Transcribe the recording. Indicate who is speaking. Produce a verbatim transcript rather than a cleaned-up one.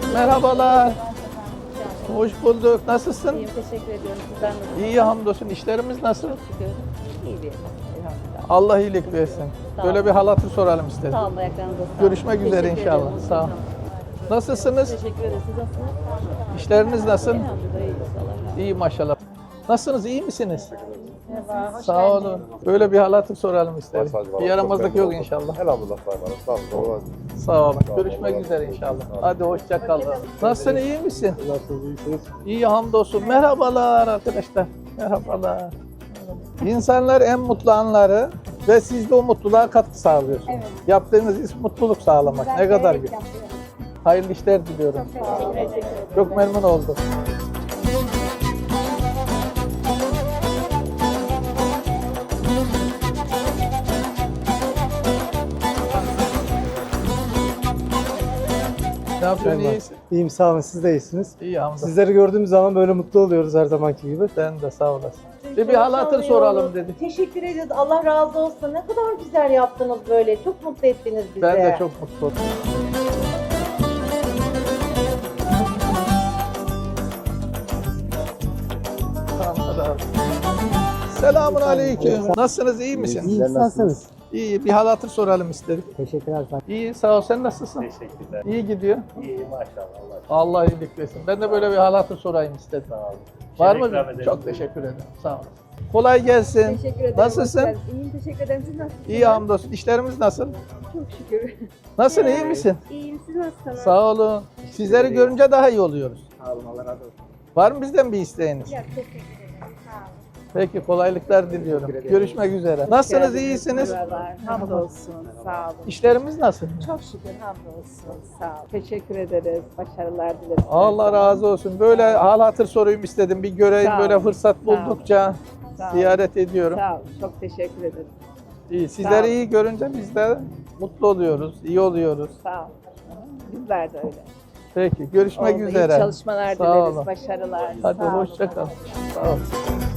Speaker 1: Merhabalar. Hoş bulduk. Nasılsın?
Speaker 2: İyiyim, teşekkür ediyorum. Sizden nasılsınız?
Speaker 1: İyi hamdolsun. İşlerimiz nasıl?
Speaker 2: Çok şükür. İyi bir elhamdülillah.
Speaker 1: Allah iyilik versin.
Speaker 2: Sağ
Speaker 1: Böyle
Speaker 2: olun.
Speaker 1: bir hal hatır soralım istedim.
Speaker 2: Sağ olun, ayaklarınıza sağlık.
Speaker 1: Görüşmek üzere
Speaker 2: Teşekkür
Speaker 1: inşallah.
Speaker 2: ederim.
Speaker 1: Sağ olun. Nasılsınız?
Speaker 2: Teşekkür ederiz. Siz nasılsınız?
Speaker 1: İşleriniz nasıl?
Speaker 2: Elhamdülillah iyiyiz. Allah razı
Speaker 1: İyi maşallah. Nasılsınız? İyi misiniz?
Speaker 2: Merhaba, hoş
Speaker 1: Sağ olun. Böyle bir hal hatır soralım istedim.
Speaker 3: Sadece bana
Speaker 1: Bir yaramazlık
Speaker 3: çok
Speaker 1: yok
Speaker 3: memnun
Speaker 1: inşallah.
Speaker 3: oldum. Elhamdülillah Sayın Hanım. Sağ olun.
Speaker 1: Sağ olun.
Speaker 3: Sağ olun.
Speaker 1: Görüşmek
Speaker 3: Allah
Speaker 1: üzere
Speaker 3: razı olsun.
Speaker 1: inşallah.
Speaker 3: Sağ olun.
Speaker 1: Hadi hoşça kal. Nasılsın? İyi misin?
Speaker 3: Nasılsınız? İyisiniz?
Speaker 1: İyi hamdolsun. Merhabalar arkadaşlar. Merhabalar. İnsanlar en mutlu anları ve siz de o mutluluğa katkı sağlıyorsunuz.
Speaker 4: Evet.
Speaker 1: Yaptığınız iş mutluluk sağlamak. Ne kadar güzel. Hayırlı işler diliyorum. Çok memnun oldum. Ne yapıyorsun?
Speaker 5: Merhaba.
Speaker 1: İyisin.
Speaker 5: İyiyim, sağ olun. Siz de iyisiniz.
Speaker 1: İyi hamdolsun.
Speaker 5: Sizleri gördüğümüz zaman böyle mutlu oluyoruz her zamanki gibi.
Speaker 1: Sen de sağ olasın. Bir, bir hal hatır soralım dedi.
Speaker 4: Teşekkür ediyoruz. Allah razı olsun. Ne kadar güzel yaptınız böyle. Çok mutlu ettiniz bizi.
Speaker 1: Ben de çok mutlu oldum. Selamun aleyküm. Nasılsınız? İyi misiniz?
Speaker 5: İyi, nasılsınız?
Speaker 1: İyi. Bir hal hatır soralım istedik.
Speaker 5: Teşekkürler.
Speaker 1: İyi. Sağ ol. Sen nasılsın?
Speaker 3: Teşekkürler.
Speaker 1: İyi gidiyor.
Speaker 3: İyi maşallah.
Speaker 1: Allah iyilik versin. Ben de böyle bir hal hatır sorayım istedim.
Speaker 3: Sağ olun.
Speaker 1: Var
Speaker 3: Şöyle
Speaker 1: mı?
Speaker 3: ikram edelim.
Speaker 1: Çok teşekkür ederim. Sağ ol. Kolay gelsin.
Speaker 2: Teşekkür ederim.
Speaker 1: Nasılsın?
Speaker 2: hoş geldiniz. İyiyim, teşekkür ederim. Siz nasılsınız?
Speaker 1: İyi hamdolsun. İşlerimiz nasıl?
Speaker 2: Çok şükür.
Speaker 1: Nasıl? İyi misin?
Speaker 2: İyiyim, siz nasılsınız?
Speaker 1: Sağ olun. Sizleri görünce daha iyi oluyoruz.
Speaker 3: Sağ olun. Allah razı olsun.
Speaker 1: Var mı bizden bir isteğiniz?
Speaker 2: Ya, teşekkür ederim. Sağ olun.
Speaker 1: Peki kolaylıklar diliyorum. Görüşmek üzere. Nasılsınız? İyisiniz?
Speaker 6: Merhabalar, hamdolsun, sağ olun.
Speaker 1: İşlerimiz nasıl?
Speaker 6: Çok şükür hamdolsun, sağ olun. Teşekkür ederiz, başarılar dileriz.
Speaker 1: Allah razı olsun. Böyle hal hatır sorayım istedim. Bir göreyim
Speaker 6: Sağ
Speaker 1: böyle
Speaker 6: olun.
Speaker 1: fırsat
Speaker 6: Sağ olun.
Speaker 1: buldukça
Speaker 6: Sağ olun.
Speaker 1: ziyaret ediyorum.
Speaker 6: Sağ olun, çok teşekkür ederim.
Speaker 1: İyi.
Speaker 6: Sağ
Speaker 1: Sizleri
Speaker 6: olun.
Speaker 1: iyi görünce biz de mutlu oluyoruz, iyi oluyoruz.
Speaker 6: Sağ olun. Bizler de öyle.
Speaker 1: Peki görüşmek
Speaker 6: Oldu, iyi
Speaker 1: üzere.
Speaker 6: çalışmalar
Speaker 1: Sağ
Speaker 6: dileriz,
Speaker 1: olun.
Speaker 6: başarılar.
Speaker 1: Hadi
Speaker 6: Sağ olun.
Speaker 1: hoşça kal. Sağ ol.